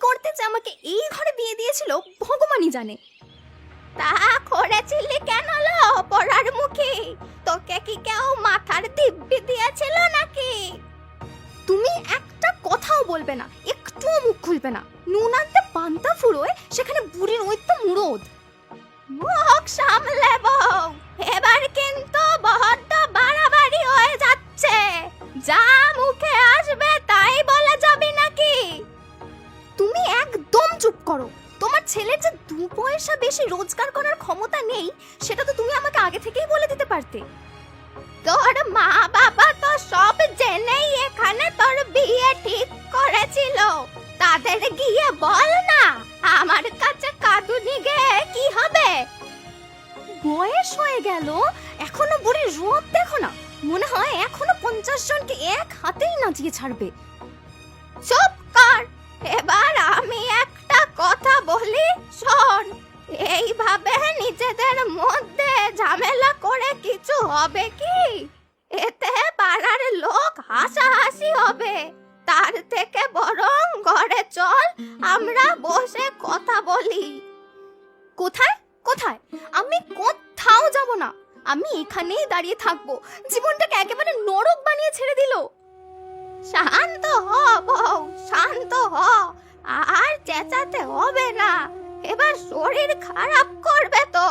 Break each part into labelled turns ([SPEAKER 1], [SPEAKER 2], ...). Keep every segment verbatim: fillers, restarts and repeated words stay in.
[SPEAKER 1] করতে যে আমাকে এই ঘরে বিয়ে দিয়েছিল ভগবানই জানে। তা করেছিলি কেন লো পড়ার মুখে? তোকে কি কেউ মাথার দিব্যি দিয়েছিল নাকি? তুমি একটা কথাও বলবে না, একটুও মুখ খুলবে না। নুন আনতে পান্তা ফুরোয়, সেখানে বুড়ির ওই তো মুরদ। মুখ সামলে বউ, এবার কিন্তু বড্ড বাড়াবাড়ি হয়ে যাচ্ছে। যা মুখে আসবে তাই বলে যাবি নাকি? তুমি একদম চুপ করো। তোমার ছেলের যে দু পয়সা বেশি রোজগার করার ক্ষমতা নেই, সেটা তো তুমি আমাকে আগে থেকেই বলে দিতে পারতে। তোর মা বাবা তো সব জেনেই এখানে তোর বিয়ে ঠিক করেছিল। তাদের গিয়ে বল না, আমার কাছে কাঁদুনি গে কি হবে? বয়স হয়ে গেল, এখনো বুড়ির রূপ দেখো না। মনে হয় এখনো পঞ্চাশ জনকে এক হাতেই নাচিয়ে ছাড়বে। চুপ কর। এবার আমি একটা কথা বলি, শোন। এইভাবে নিজেদের মধ্যে ঝামেলা করে কিছু হবে কি? এতে পাড়ার লোক হাসাহাসি হবে। তার থেকে বরং ঘরে চল, আমরা বসে কথা বলি। কোথায় কোথায়? আমি কোথাও যাব না। আমি এখানেই দাঁড়িয়ে থাকবো। জীবনটাকে একেবারে নরক বানিয়ে ছেড়ে দিল। শান্ত হ বউ, শান্ত হ। আর চেঁচাতে হবে না, এবার শরীর খারাপ করবে তো।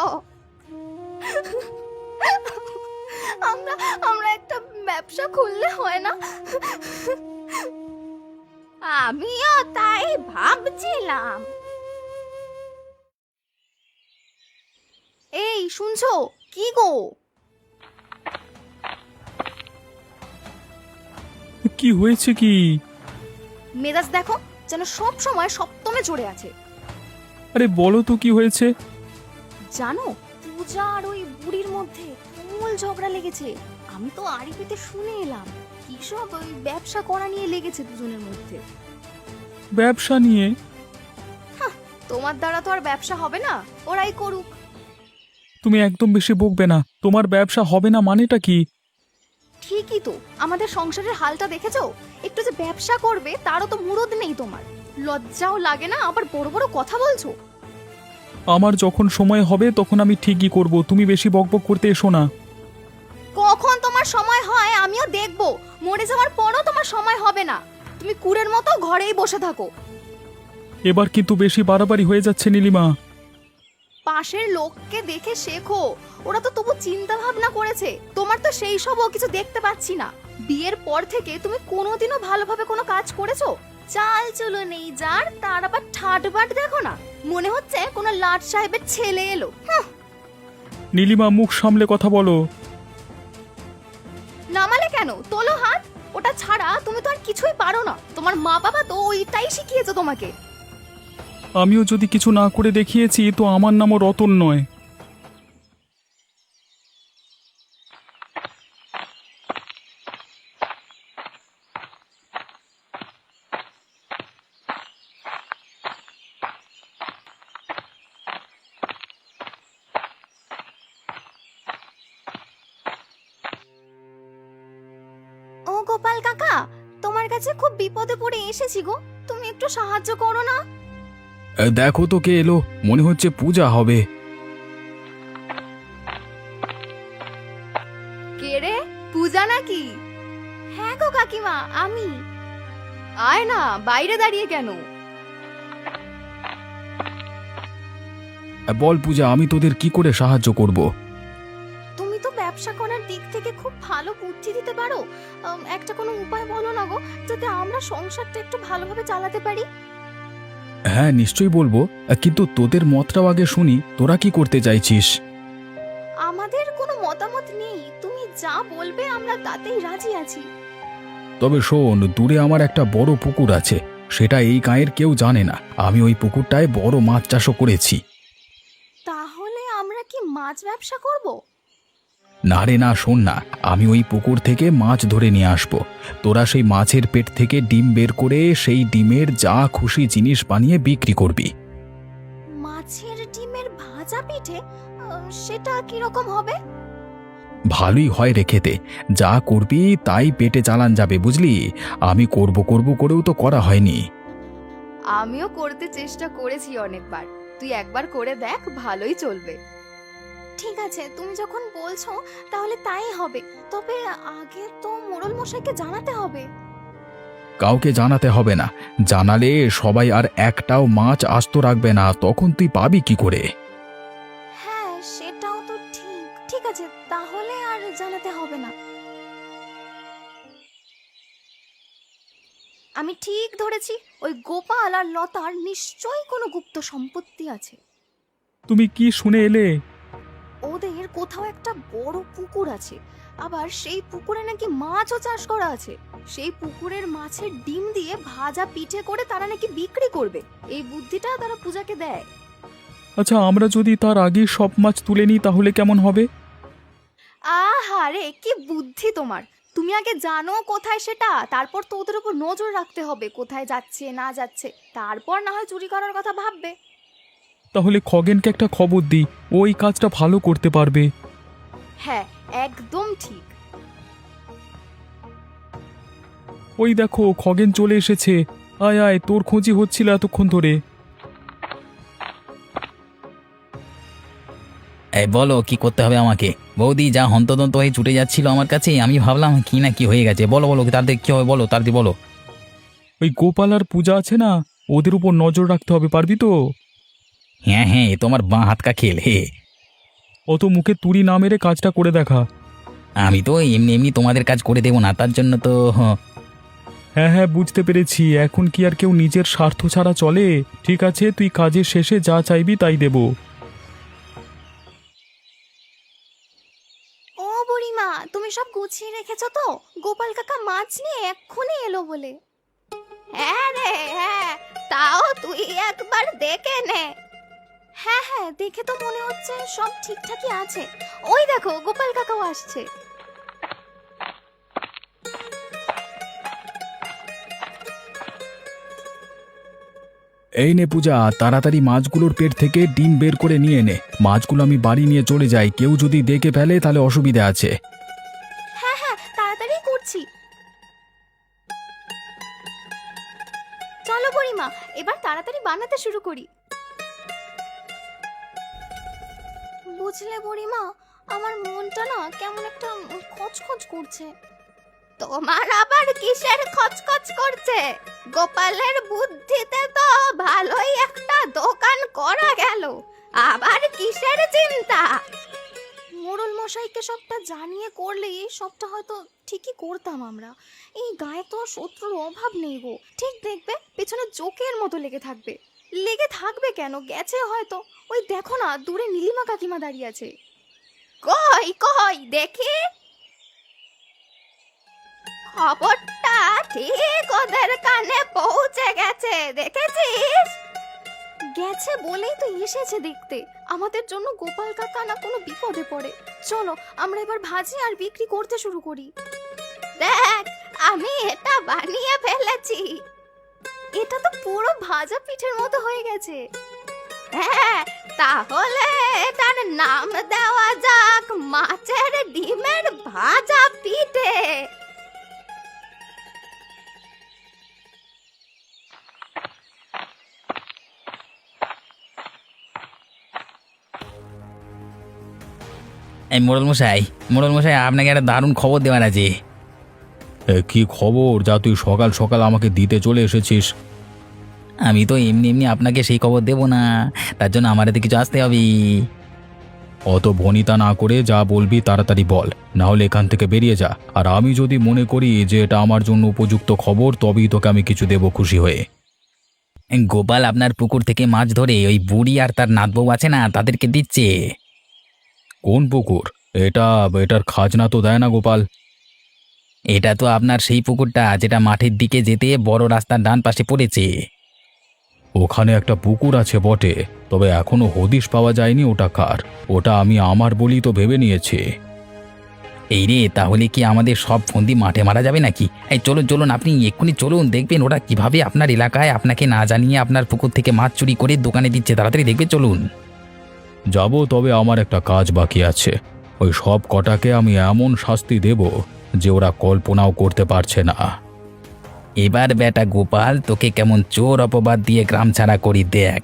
[SPEAKER 1] আমরা আমরা একটা ব্যবসা খুললে হয় না? আমিও তাই ভাবছিলাম। এই শুনছো কি গো?
[SPEAKER 2] কি হয়েছে কি?
[SPEAKER 1] মেজাজ দেখো, যেন সব সময় সপ্তমে চড়ে আছে।
[SPEAKER 2] আরে বলো তো কি হয়েছে?
[SPEAKER 1] জানো, পূজা আর ওই বুড়ির মধ্যে তুমুল ঝগড়া লেগেছে। আমি তো আরিফিতে শুনে এলাম কি সব ওই ব্যবসা করা নিয়ে লেগেছে দুজনের মধ্যে।
[SPEAKER 2] ব্যবসা নিয়ে?
[SPEAKER 1] তোমার দ্বারা তো আর ব্যবসা হবে না, ওরাই করুক।
[SPEAKER 2] তুমি একদম বেশি বকবে না। তোমার ব্যবসা হবে না মানেটা কি?
[SPEAKER 1] ঠিকই তো, আমাদের সংসারের হালটা দেখেছো? একটু যে ব্যবসা করবে তারও তো মুরদ নেই তোমার। লজ্জাও লাগে না? আবার বড় বড় কথা বলছো।
[SPEAKER 2] আমার যখন সময় হবে তখন আমি ঠিকই করব, তুমি বেশি বকবক করতে এসো না।
[SPEAKER 1] কখন তোমার সময় হয় আমিও দেখব। মরে যাওয়ার পরও তোমার সময় হবে না। তুমি কুড়ের মতো ঘরেই বসে থাকো।
[SPEAKER 2] এবার কিন্তু বেশি বাড়াবাড়ি হয়ে যাচ্ছে নীলিমা।
[SPEAKER 1] পাশের লোককে দেখে শেখো, ওরা তো তবু চিন্তা ভাবনা করেছে। তোমার তো সেই সবও কিছু দেখতে পাচ্ছি না। বিয়ের পর থেকে তুমি কোনোদিনও ভালোভাবে কোনো কাজ করেছো? চাল চলো নেই যার, তার আবার ঠাটবাট দেখো না। মনে হচ্ছে কোনো লাট সাহেবের ছেলে এলো।
[SPEAKER 2] নীলিমা মুখ সামলে কথা বলো।
[SPEAKER 1] নামালে কেন? তোলো হাত। ওটা ছাড়া তুমি তো আর কিছুই পারো না। তোমার মা বাবা তো ওইটাই শিখিয়েছে তোমাকে।
[SPEAKER 2] আমিও যদি কিছু না করে দেখিয়েছি তো আমার নামও রতন নয়।
[SPEAKER 1] ও গোপাল কাকা, তোমার কাছে খুব বিপদে পড়ে এসেছি গো। তুমি একটু সাহায্য করো না।
[SPEAKER 2] দেখো তো কে এলো, মনে হচ্ছে পূজা হবে।
[SPEAKER 1] কে রে? পূজা নাকি? হ্যাঁ গো কাকিমা, আমি। আয় না, বাইরে দাঁড়িয়ে কেন?
[SPEAKER 2] বল পূজা, আমি তোদের কি করে সাহায্য করব?
[SPEAKER 1] তুমি তো ব্যবসা করার দিক থেকে খুব ভালো বুদ্ধি দিতে পারো। আম, একটা কোনো উপায় বলো না গো, যাতে আমরা সংসারটা একটু ভালোভাবে চালাতে পারি।
[SPEAKER 2] হ্যাঁ নিশ্চয়ই বলবো, কিন্তু তোদের মতটাও আগে শুনি। তোরা কি করতে চাইছিস?
[SPEAKER 1] আমাদের কোনো মতামত নেই, তুমি যা বলবে আমরা তাতেই রাজি আছি।
[SPEAKER 2] তবে শোন, দূরে আমার একটা বড় পুকুর আছে, সেটা এই গাঁয়ের কেউ জানে না। আমি ওই পুকুরটায় বড় মাছ চাষও করেছি।
[SPEAKER 1] তাহলে আমরা কি মাছ ব্যবসা করব?
[SPEAKER 2] না রে না, শোন না, আমি ওই পুকুর থেকে মাছ ধরে নিয়ে আসব। তোরা সেই মাছের পেট থেকে ডিম বের করে সেই ডিমের যা খুশি জিনিস বানিয়ে বিক্রি করবি।
[SPEAKER 1] মাছের ডিমের ভাজা পিঠে? আহ, সেটা কি রকম হবে?
[SPEAKER 2] ভালোই হয় রে খেতে। যা করবি তাই পেটে চালান যাবে, বুঝলি? আমি করব করব করেও তো করা হয়নি।
[SPEAKER 1] আমিও করতে চেষ্টা করেছি অনেকবার, তুই একবার করে দেখ, ভালোই চলবে। ঠিক আছে, তুমি যখন বলছো তাহলে তাই হবে। তবে আগে তো মোড়ল মশাইকে জানাতে হবে।
[SPEAKER 2] কাউকে জানাতে হবে না, জানালে সবাই আর একটাও মাছ আস্ত রাখবে না, তখন তুই পাবি কি করে?
[SPEAKER 1] হ্যাঁ, সেটাও তো ঠিক। ঠিক আছে, তাহলে আর জানাতে হবে না। আমি ঠিক ধরেছি, ওই গোপাল আর লতার নিশ্চয়ই কোনো গুপ্ত সম্পত্তি আছে।
[SPEAKER 2] তুমি কি শুনে এলে?
[SPEAKER 1] ওদের কোথাও একটা বড় পুকুর আছে, আবার সেই পুকুরে নাকি মাছও চাষ করা আছে। সেই পুকুরের মাছের ডিম দিয়ে ভাজা পিঠে করে তারা নাকি বিক্রি করবে। এই বুদ্ধিটা তারা পূজাকে দেয়।
[SPEAKER 2] আচ্ছা, আমরা যদি তার আগে সব মাছ তুলে নিই তাহলে কেমন হবে?
[SPEAKER 1] আহারে, কি বুদ্ধি তোমার! তুমি আগে জানো কোথায় সেটা, তারপর তো ওদের উপর নজর রাখতে হবে, কোথায় যাচ্ছে না যাচ্ছে, তারপর না হয় চুরি করার কথা ভাববে।
[SPEAKER 2] তাহলে খগেনকে একটা খবর দিই, ওই কাজটা ভালো করতে পারবে।
[SPEAKER 1] হ্যাঁ, একদম ঠিক।
[SPEAKER 2] ওই দেখো, খগেন চলে এসেছে। আয় আয়, তোর খোঁজি হচ্ছিল এতক্ষণ ধরে।
[SPEAKER 3] এই বলো, কি করতে হবে আমাকে? বৌদি যা হন্তদন্ত হয়ে ছুটে যাচ্ছিল আমার কাছে, আমি ভাবলাম কি না কি হয়ে গেছে। বলো বলো, তাদের কি হবে বলো, তাদের বলো।
[SPEAKER 2] ওই গোপাল আর পূজা আছে না, ওদের উপর নজর রাখতে হবে, পারবি তো?
[SPEAKER 3] হ্যাঁ হ্যাঁ, এ তোমার বাঁ হাত কা খেল হে।
[SPEAKER 2] অত মুখে তুড়ি না মেরে কাজটা করে দেখা।
[SPEAKER 3] আমি তো এমনি এমনি তোমাদের কাজ করে দেবো না, তার জন্য তো হ,
[SPEAKER 2] হ্যাঁ হ্যাঁ, বুঝতে পেরেছি। এখন কি আর কেউ নিজের স্বার্থ ছাড়া চলে? ঠিক আছে, তুই কাজের শেষে যা চাইবি তাই দেব।
[SPEAKER 1] ও বুড়িমা, তুমি সব গুছিয়ে রেখেছো তো? গোপাল কাকা মাছ নিয়ে এক্ষুনি এলো বলে। হ্যাঁ রে হ্যাঁ, তাও তুই একবার দেখে নে। হ্যাঁ হ্যাঁ, দেখে তো মনে হচ্ছে সব ঠিকঠাকই আছে। ওই দেখো, গোপাল কাকাও আসছে।
[SPEAKER 2] এই নে পূজা, তাড়াতাড়ি মাছগুলোর পেট থেকে ডিম বের করে নিয়ে নে। মাছগুলো আমি বাড়ি নিয়ে চলে যাই, কেউ যদি দেখে ফেলে তাহলে অসুবিধা আছে।
[SPEAKER 1] হ্যাঁ হ্যাঁ, তাড়াতাড়ি করছি। চলো বুড়িমা, এবার তাড়াতাড়ি বানাতে শুরু করি। বুঝলে বুড়িমা, আমার মনটা না কেমন একটা খচখচ করছে। তোমার আবার কিসের খচখচ করছে? গোপালের বুদ্ধিতে তো ভালোই একটা দোকান করা গেল, আবার কিসের চিন্তা? মোড়ল মশাইকে সবটা জানিয়ে করলে সবটা হয়তো ঠিকই করতাম আমরা। এই গায়ে তো শত্রুর অভাব নেই গো। ঠিক দেখবে, পেছনে জোকের মতো লেগে থাকবে। লেগে থাকবে কেন, গেছে হয়তো। ওই দেখো না, দূরে নীলিমা কাকিমা দাঁড়িয়ে আছে। কই কই দেখি। খবরটা ঠিক ওদের কানে পৌঁছে গেছে, দেখেছিস? গেছে বলেই তো এসেছে দেখতে। আমাদের জন্য গোপাল কাকা না কোনো বিপদে পড়ে। চলো আমরা এবার ভাজি আর বিক্রি করতে শুরু করি। দেখ, আমি এটা বানিয়ে ফেলেছি। এটা তো পুরো ভাজা পিঠের মতো হয়ে গেছে। হ্যাঁ, তাহলে এটার নাম দেওয়া যাক মাছের ডিমের ভাজা পিঠে।
[SPEAKER 3] এই মোড়ল মশাই, মোড়ল মশাই আপনাকে একটা দারুণ খবর দেওয়ার আছে।
[SPEAKER 2] কি খবর যা তুই সকাল সকাল আমাকে দিতে চলে এসেছিস?
[SPEAKER 3] আমি তো এমনি এমনি আপনাকে সেই খবর দেবো না, তার জন্য আমার হাতে কিছু আসতে হবে।
[SPEAKER 2] অত ভনিতা না করে যা বলবি তাড়াতাড়ি বল, না হলে এখান থেকে বেরিয়ে যা। আর আমি যদি মনে করি যে এটা আমার জন্য উপযুক্ত খবর, তবেই তোকে আমি কিছু দেব খুশি হয়ে।
[SPEAKER 3] গোপাল আপনার পুকুর থেকে মাছ ধরে ওই বুড়ি আর তার নাতবউ আছে না, তাদেরকে দিচ্ছে।
[SPEAKER 2] কোন পুকুর? এটা এটার খাজনা তো দেয় না গোপাল।
[SPEAKER 3] এটা তো আপনার সেই পুকুরটা যেটা মাঠের দিকে যেতে বড় রাস্তার ডান পাশে পড়েছে।
[SPEAKER 2] ওখানে একটা পুকুর আছে বটে, তবে এখনো হদিশ পাওয়া যায়নি ওটা কার। ওটা আমি আমার বলি তো ভেবে নিয়েছি।
[SPEAKER 3] এই রে, তাহলে কি আমাদের সব ফন্দি মাঠে মারা যাবে নাকি? এই চলুন চলুন, আপনি এক্ষুনি চলুন, দেখবেন ওরা কিভাবে আপনার এলাকায় আপনাকে না জানিয়ে আপনার পুকুর থেকে মাছ চুরি করে দোকানে দিচ্ছে। তাড়াতাড়ি দেখবে, চলুন।
[SPEAKER 2] যাব, তবে আমার একটা কাজ বাকি আছে। ওই সব কটাকে আমি এমন শাস্তি দেব যে ওরা কল্পনাও করতে পারছে না।
[SPEAKER 3] এবার বেটা গোপাল তোকে কেমন চোর অপবাদ দিয়ে গ্রাম ছাড়া করি দেখ।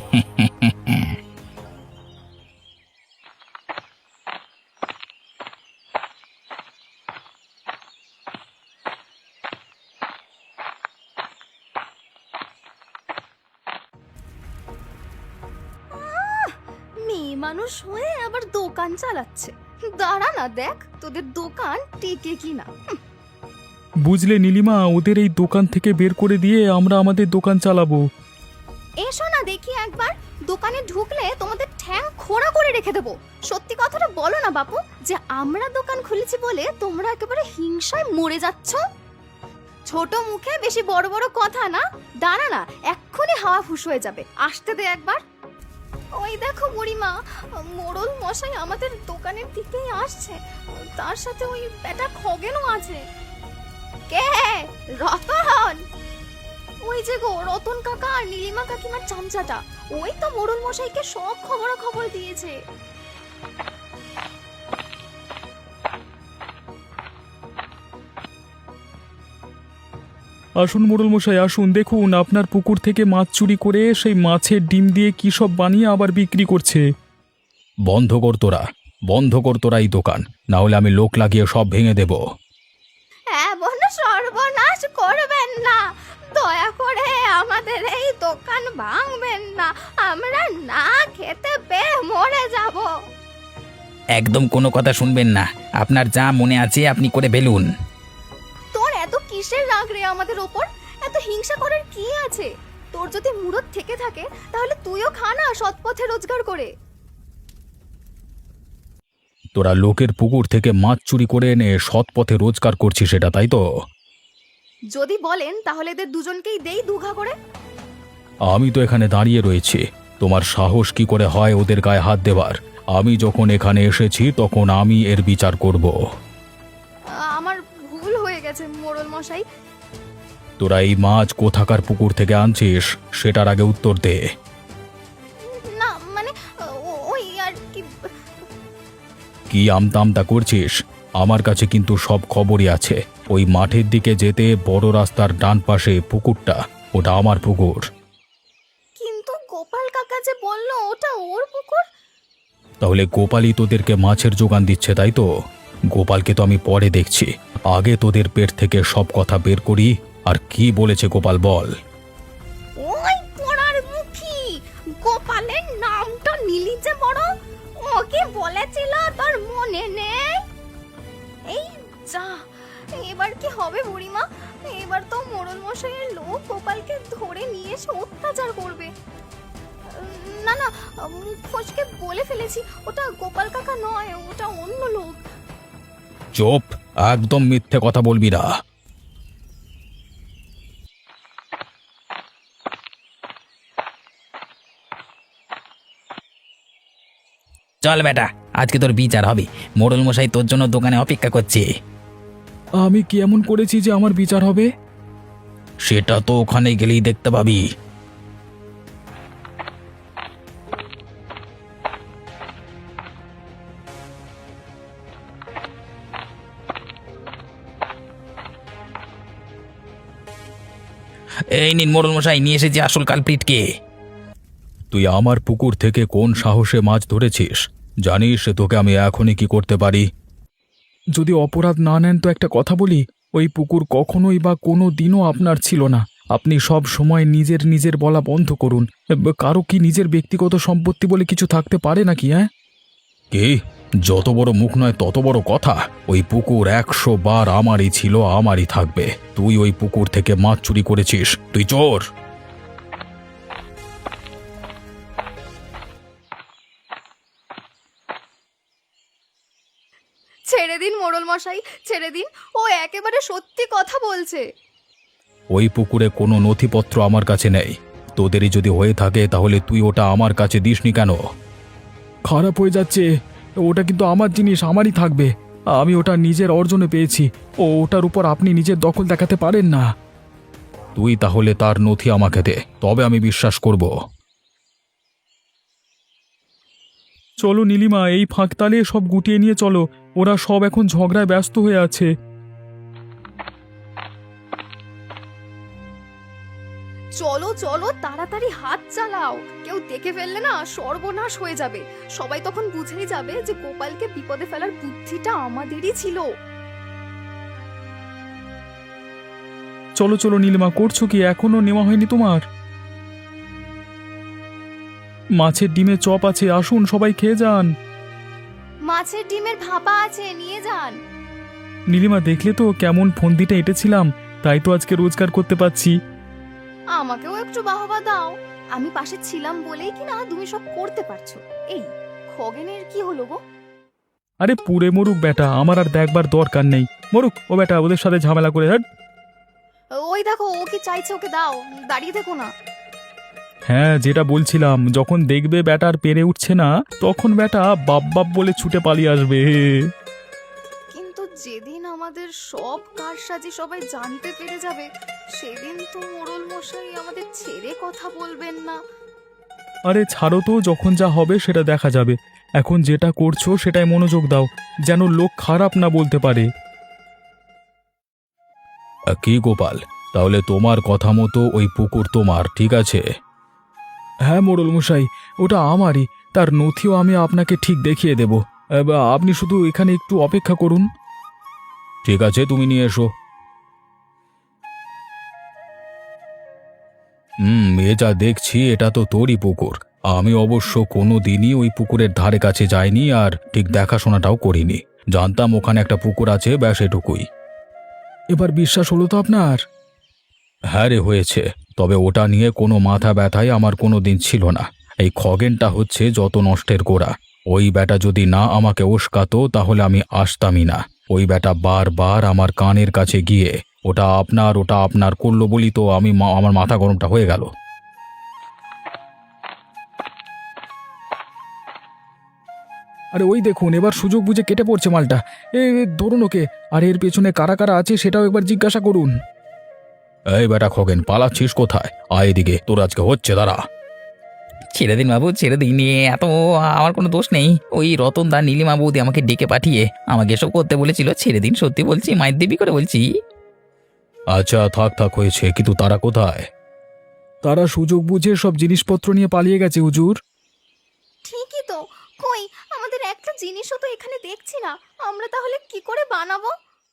[SPEAKER 1] মেয়ে মানুষ হয়ে আবার দোকান চালাচ্ছে। দাঁড়া না দেখ তোদের দোকান টিকে কিনা।
[SPEAKER 2] বুঝলে নীলিমা, ওদের এই দোকান থেকে বের করে দিয়ে আমরা আমাদের দোকান চালাবো।
[SPEAKER 1] এসো না দেখি একবার, দোকানে ঢুকলে তোমাদের ঠ্যাং খোঁড়া করে রেখে দেবো। সত্যি কথাটা বলো না বাপু, যে আমরা দোকান খুলেছি বলে তোমরা একেবারে হিংসায় মরে যাচ্ছ। ছোট মুখে বেশি বড় বড় কথা না। দাঁড়া না, এক্ষুনি হাওয়া ফুস হয়ে যাবে। আসতে দে একবার। ওই দেখো বুড়িমা, মোড়ল মশাই আমাদের দোকানের দিকেই আসছে। তার সাথে ওই বেটা খগেনও আছে। কে? রতন? ওই যে গো রতন কাকা আর নীলিমা কাকিমার চামচাটা, ওই তো মোড়ল মশাইকে সব খবর খবর দিয়েছে।
[SPEAKER 2] আসুন মোড়ল মশাই আসুন, দেখুন আপনার পুকুর থেকে মাছ চুরি করে সেই মাছের ডিম দিয়ে কি সব বানিয়ে আবার বিক্রি করছে। বন্ধ কর তোরা, বন্ধ কর তোরা এই দোকান, না হলে আমি লোক লাগিয়ে সব ভেঙে দেব।
[SPEAKER 1] এমন সর্বনাশ করবেন না, দয়া করে আমাদের এই দোকান ভাঙবেন না। আমরা না খেতে পেয়ে মরে যাব।
[SPEAKER 3] একদম কোনো কথা শুনবেন না, আপনার যা মনে আছে আপনি করে ফেলুন।
[SPEAKER 1] তোর এত কিসের রাগ রে আমাদের ওপর? এত হিংসা করার কি আছে? তোর যদি মুরত থেকে থাকে তাহলে তুইও খা না সৎ পথে রোজগার করে।
[SPEAKER 2] তোরা লোকের পুকুর থেকে মাছ চুরি করে এনে সৎ পথে রোজগার করছিস, সেটা তাই তো?
[SPEAKER 1] যদি বলেন তাহলে এদের দুজনকেই দেই দুঘা করে।
[SPEAKER 2] আমি তো এখানে দাঁড়িয়ে রয়েছি, তোমার সাহস কি করে হয় ওদের গায়ে হাত দেবার? আমি যখন এখানে এসেছি তখন আমি এর বিচার করব।
[SPEAKER 1] আমার ভুল হয়ে গেছে মোড়ল মশাই।
[SPEAKER 2] তোরা এই মাছ কোথাকার পুকুর থেকে আনছিস সেটার আগে উত্তর দে।
[SPEAKER 1] না মানে ও- ওই আর কি।
[SPEAKER 2] কি আমতামতা করছিস? আমার কাছে কিন্তু সব খবরই আছে। ওই মাঠের দিকে যেতে বড় রাস্তার ডান পাশে পুকুরটা, ওটা আমার পুকুর।
[SPEAKER 1] কিন্তু গোপাল কাকা যে বললো ওটা ওর পুকুর।
[SPEAKER 2] তাহলে গোপালই তোদেরকে মাছের যোগান দিচ্ছে, তাই তো? গোপালকে তো আমি পরে দেখছি, আগে তোদের পেট থেকে সব কথা বের করি। আর কি বলেছে গোপাল বল?
[SPEAKER 1] ওই পোড়ার মুখী গোপালের নামটা নিলি যে বড়, ওকে বলেছিল তোর মনে নেই? এই যা, এবার কি হবে বুড়িমা? এবার তো মোড়ল মশাইয়ের লোক গোপালকে ধরে নিয়ে এসে অত্যাচার করবে। না না, মুখ ফসকে বলে ফেলেছি, ওটা গোপাল কাকা নয়, ওটা অন্য লোক।
[SPEAKER 2] চুপ, একদম মিথ্যে কথা বলবি না।
[SPEAKER 3] চল বেটা, আজকে তোর বিচার হবে। মোড়ল মশাই তোর জন্য দোকানে অপেক্ষা করছে।
[SPEAKER 2] আমি কি এমন করেছি যে আমার বিচার হবে? সেটা তো ওখানে গেলেই দেখতে পাবি।
[SPEAKER 3] এই নিন মোড়ল মশাই, নিয়ে এসেছি আসল কালপ্রিটকে।
[SPEAKER 2] তুই আমার পুকুর থেকে কোন সাহসে মাছ ধরেছিস? জানিস তোকে আমি এখনই কি করতে পারি? যদি অপরাধ না নেন তো একটা কথা বলি, ওই পুকুর কখনোই বা কোনো দিনও আপনার ছিল না। আপনি সব সময় নিজের নিজের বলা বন্ধ করুন। কারো কি নিজের ব্যক্তিগত সম্পত্তি বলে কিছু থাকতে পারে নাকি? হ্যাঁ, কি? যত বড় মুখ নয় তত বড় কথা। ওই পুকুর একশো বার আমারই ছিল, আমারই থাকবে। তুই ওই পুকুর থেকে মাছ চুরি করেছিস, তুই চোর।
[SPEAKER 1] ছেড়ে দিন মোড়ল মশাই, ছেড়ে দিন, ও একেবারে সত্যি কথা বলছে।
[SPEAKER 2] ওই পুকুরে কোনো নথিপত্র আমার কাছে নেই। তোদেরই যদি হয়ে থাকে তাহলে তুই ওটা আমার কাছে দিসনি কেন? খারাপ হয়ে যাচ্ছে, ওটা কিন্তু আমার জিনিস, আমারই থাকবে। আমি ওটা নিজের অর্জনে পেয়েছি, ও ওটার উপর আপনি নিজের দখল দেখাতে পারেন না। তুই তাহলে তার নথি আমাকে দে, তবে আমি বিশ্বাস করব। চলো নীলিমা, এই ফাঁকতালে সব গুটিয়ে নিয়ে চলো। ওরা সব এখন ঝগড়ায় ব্যস্ত হয়ে আছে।
[SPEAKER 1] চলো চলো তাড়াতাড়ি হাত চালাও, কেউ দেখে ফেললে না সর্বনাশ হয়ে যাবে। সবাই তখন বুঝেই যাবে যে গোপালকে বিপদে ফেলার বুদ্ধিটা আমাদেরই ছিল।
[SPEAKER 2] চলো চলো নীলিমা, করছো কি? এখনো নেওয়া হয়নি তোমার? মাছের ডিমে চপ আছে, আসুন সবাই খেয়ে যান।
[SPEAKER 1] মাছের ডিমের ভাপা আছে, নিয়ে যান।
[SPEAKER 2] নীলিমা, দেখলে তো কেমন ফন্দিটা এঁটেছিলাম, তাই তো আজকে রোজগার করতে পারছি।
[SPEAKER 1] আমাকেও একটু বাহবা দাও, আমি পাশে ছিলাম বলেই কি না তুমি সব করতে পারছো। এই খগেনের কি হলো গো?
[SPEAKER 2] আরে পুড়ে মরুক বেটা, আমার আর দেখবার দরকার নেই। মরুক ও বেটা, ওদের সাথে ঝামেলা করে। হ্যাঁ
[SPEAKER 1] ওই দেখো ও কি চাইছে, ওকে দাও, দাঁড়িয়ে দেখো না।
[SPEAKER 2] হ্যাঁ, যেটা বলছিলাম, যখন দেখবে ব্যাটা আর পেরে উঠছে না, তখন ব্যাটা বাপ বাপ বলে ছুটে পালিয়ে আসবে।
[SPEAKER 1] কিন্তু যেদিন আমাদের সব কারসাজি সবাই জানতে পেরে যাবে, সেদিন তো মোড়ল মশাই আমাদের ছেড়ে কথা বলবেন না।
[SPEAKER 2] আরে ছাড়ো তো, যখন যা হবে সেটা দেখা যাবে। এখন যেটা করছো সেটাই মনোযোগ দাও, যেন লোক খারাপ না বলতে পারে। কি গোপাল, তাহলে তোমার কথা মতো ওই পুকুর তোমার, ঠিক আছে? হ্যাঁ মোড়ল মশাই, ওটা আমারই। তার নথিও আমি আপনাকে ঠিক দেখিয়ে দেব। এবার আপনি শুধু এখানে একটু অপেক্ষা করুন। ঠিক আছে, তুমি নিয়ে এসো। হুম, এ যা দেখছি এটা তো তোরই পুকুর। আমি অবশ্য কোনো দিনই ওই পুকুরের ধারে কাছে যাইনি, আর ঠিক দেখাশোনাটাও করিনি। জানতাম ওখানে একটা পুকুর আছে, ব্যাস এটুকুই। এবার বিশ্বাস হলো তো আপনার? হ্যাঁ রে, হয়েছে। তবে ওটা নিয়ে কোনো মাথা ব্যথাই আমার কোনো দিন ছিল না। এই খগেনটা হচ্ছে যত নষ্টের গোড়া। ওই ব্যাটা যদি না আমাকে উস্কাতো তাহলে আমি আসতামই না। ওই ব্যাটা বারবার আমার কানের কাছে গিয়ে ওটা আপনার ওটা আপনার করলো বলি তো আমি মা- আমার মাথা গরমটা হয়ে গেল। আরে ওই দেখুন, এবার সুযোগ বুঝে কেটে পড়ছে মালটা। এ এ, ধরুন ওকে। আর এর পেছনে কারা কারা আছে সেটাও একবার জিজ্ঞাসা করুন। এই বেটা খগেন, পালাচ্ছিস কোথায়? আয় এদিকে, তোর আজকে হচ্ছে, দাঁড়া।
[SPEAKER 3] ছেড়ে দিন বাবু, ছেড়ে দিন। এ এত আমার কোনো দোষ নেই। ওই রতন দা নীলিমা বৌদি আমাকে ডেকে পাঠিয়ে আমাকে এসব করতে বলেছিল। ছেড়ে দিন, সত্যি বলছি, মায়ের দেবী করে বলছি।
[SPEAKER 2] আচ্ছা থাক থাক, হয়েছে। কিন্তু তারা কোথায়? তারা সুযোগ বুঝে সব জিনিসপত্র নিয়ে পালিয়ে গেছে হুজুর।
[SPEAKER 1] ঠিকই তো, কই আমাদের একটা জিনিসও তো এখানে দেখছি না, আমরা তাহলে কি করে বানাবো?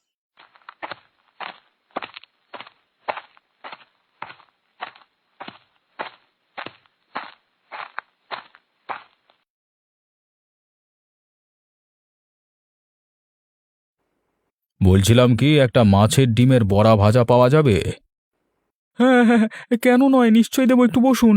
[SPEAKER 2] বলছিলাম কি, একটা মাছের ডিমের বড়া ভাজা পাওয়া যাবে? হ্যাঁ হ্যাঁ হ্যাঁ, কেন নয়, নিশ্চয়ই দেবো, একটু বসুন।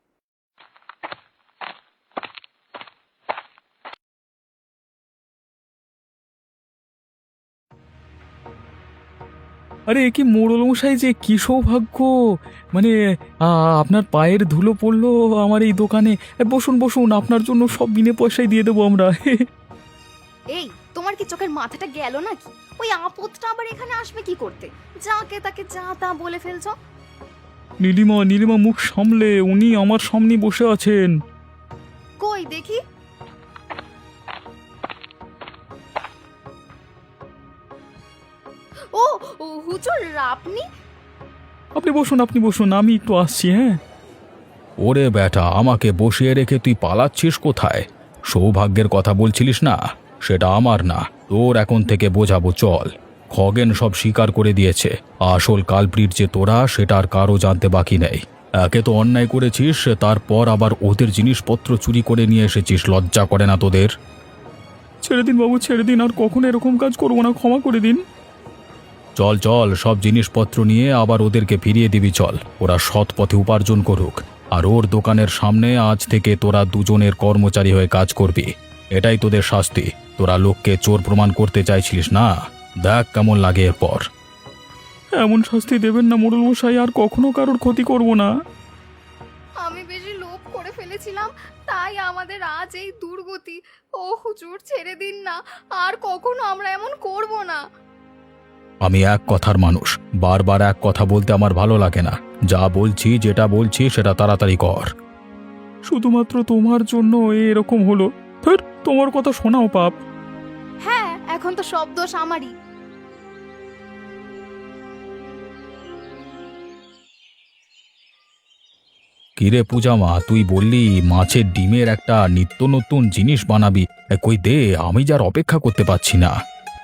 [SPEAKER 2] আরে এ কি মোড়ল মশাই, যে কি সৌভাগ্য! মানে আ, আপনার পায়ের ধুলো পড়লো আমার এই দোকানে। এ, বসুন বসুন, আপনার জন্য সব বিনে পয়সায় দিয়ে দেবো আমরা।
[SPEAKER 1] এই তোমার কি চোখের মাথাটা গেল নাকি? ওই আপদটা আবার এখানে আসবে কি করতে? যাকে তাকে যা তা বলে ফেলছো।
[SPEAKER 2] নীলিমা নীলিমা, মুখ সামলে, উনি আমার সামনে বসে আছেন।
[SPEAKER 1] কই দেখি। ও ও, হুজুর আপনি?
[SPEAKER 2] আপনি বসুন, আপনি বসুন, আমি একটু আসছি। হ্যাঁ। ওরে বেটা, আমাকে বসিয়ে রেখে তুই পালাচ্ছিস কোথায়? সৌভাগ্যের কথা বলছিলিস না? সেটা আমার না, তোর এখন থেকে বোঝাবো, চল। খগেন সব স্বীকার করে দিয়েছে। আসল কালপ্রিট যে তোরা, সেটা আর কারো জানতে বাকি নেই। একে তো অন্যায় করেছিস, তারপর আবার ওদের জিনিসপত্র চুরি করে নিয়ে এসেছিস। লজ্জা করে না তোদের? ছেড়ে দিন বাবু, ছেড়ে দিন, আর কখনো এরকম কাজ করবো না, ক্ষমা করে দিন। চল চল, সব জিনিসপত্র নিয়ে আবার ওদেরকে ফিরিয়ে দিবি, চল। ওরা সৎ পথে উপার্জন করুক। আর ওর দোকানের সামনে আজ থেকে তোরা দুজনের কর্মচারী হয়ে কাজ করবি। এটাই তোদের শাস্তি। তোরা লোককে চোর প্রমাণ করতে চাইছিলিস না, দেখ কেমন লাগে এরপর। এমন শাস্তি দেবেন না মোড়ল মশাই, আর কখনো কারোর ক্ষতি করব না।
[SPEAKER 1] আমি বেশি লোভ করে ফেলেছিলাম, তাই আমাদের আজ এই দুর্গতি। ও হুজুর ছেড়ে দিন না, আর কখনো আমরা এমন করব না।
[SPEAKER 2] আমি এক কথার মানুষ, বারবার এক কথা বলতে আমার ভালো লাগে না। যা বলছি, যেটা বলছি সেটা তাড়াতাড়ি কর। শুধুমাত্র তোমার জন্য এরকম হলো। ফের তোমার কথা শোনাও পাপ।
[SPEAKER 1] হ্যাঁ, এখন তো সব দোষ আমারই।
[SPEAKER 2] কিরে পূজা মা, তুই বললি মাছের ডিমের একটা নিত্য নতুন জিনিস বানাবি। এ, কই দে, আমি যার অপেক্ষা করতে পারছি না।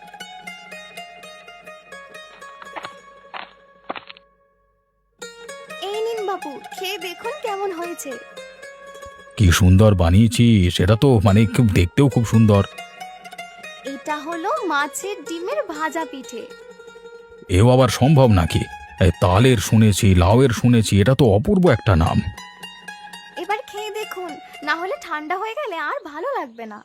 [SPEAKER 1] এই নিন বাবু, খেয়ে দেখুন কেমন হয়েছে।
[SPEAKER 2] কি সুন্দর বানিয়েছিস, সেটা তো মানে খুব দেখতেও খুব সুন্দর।
[SPEAKER 1] এটা হলো মাছের ডিমের ভাজা পিঠে।
[SPEAKER 2] এও আবার সম্ভব নাকি? এ, তালের শুনেছি, লাউয়ের শুনেছি, এটা তো অপূর্ব একটা নাম।
[SPEAKER 1] এবার খেয়ে দেখুন, না হলে ঠান্ডা হয়ে গেলে আর ভালো লাগবে না।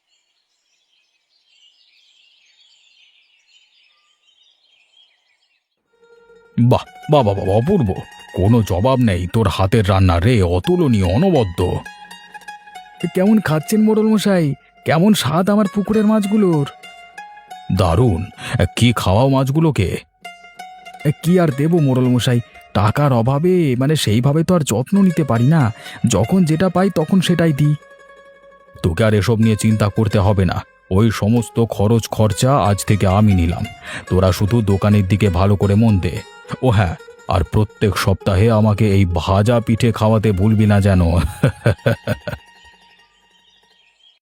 [SPEAKER 2] বাহ বাহ বাহ বাহ, অপূর্ব। কোনো জবাব নেই তোর হাতের রান্না রে, অতুলনীয়, অনবদ্য। কেমন খাচ্ছেন মোড়ল মশাই? কেমন স্বাদ আমার পুকুরের মাছগুলোর? দারুণ। কি খাওয়াও মাছগুলোকে? কি আর দেবো মোড়ল মশাই, টাকার অভাবে মানে সেইভাবে তো আর যত্ন নিতে পারি না। যখন যেটা পাই তখন সেটাই দিই। তোকে আর এসব নিয়ে চিন্তা করতে হবে না, ওই সমস্ত খরচ খরচা আজ থেকে আমি নিলাম। তোরা শুধু দোকানের দিকে ভালো করে মন দে। ও হ্যাঁ, আর প্রত্যেক সপ্তাহে আমাকে এই ভাজা পিঠে খাওয়াতে ভুলবি না যেন।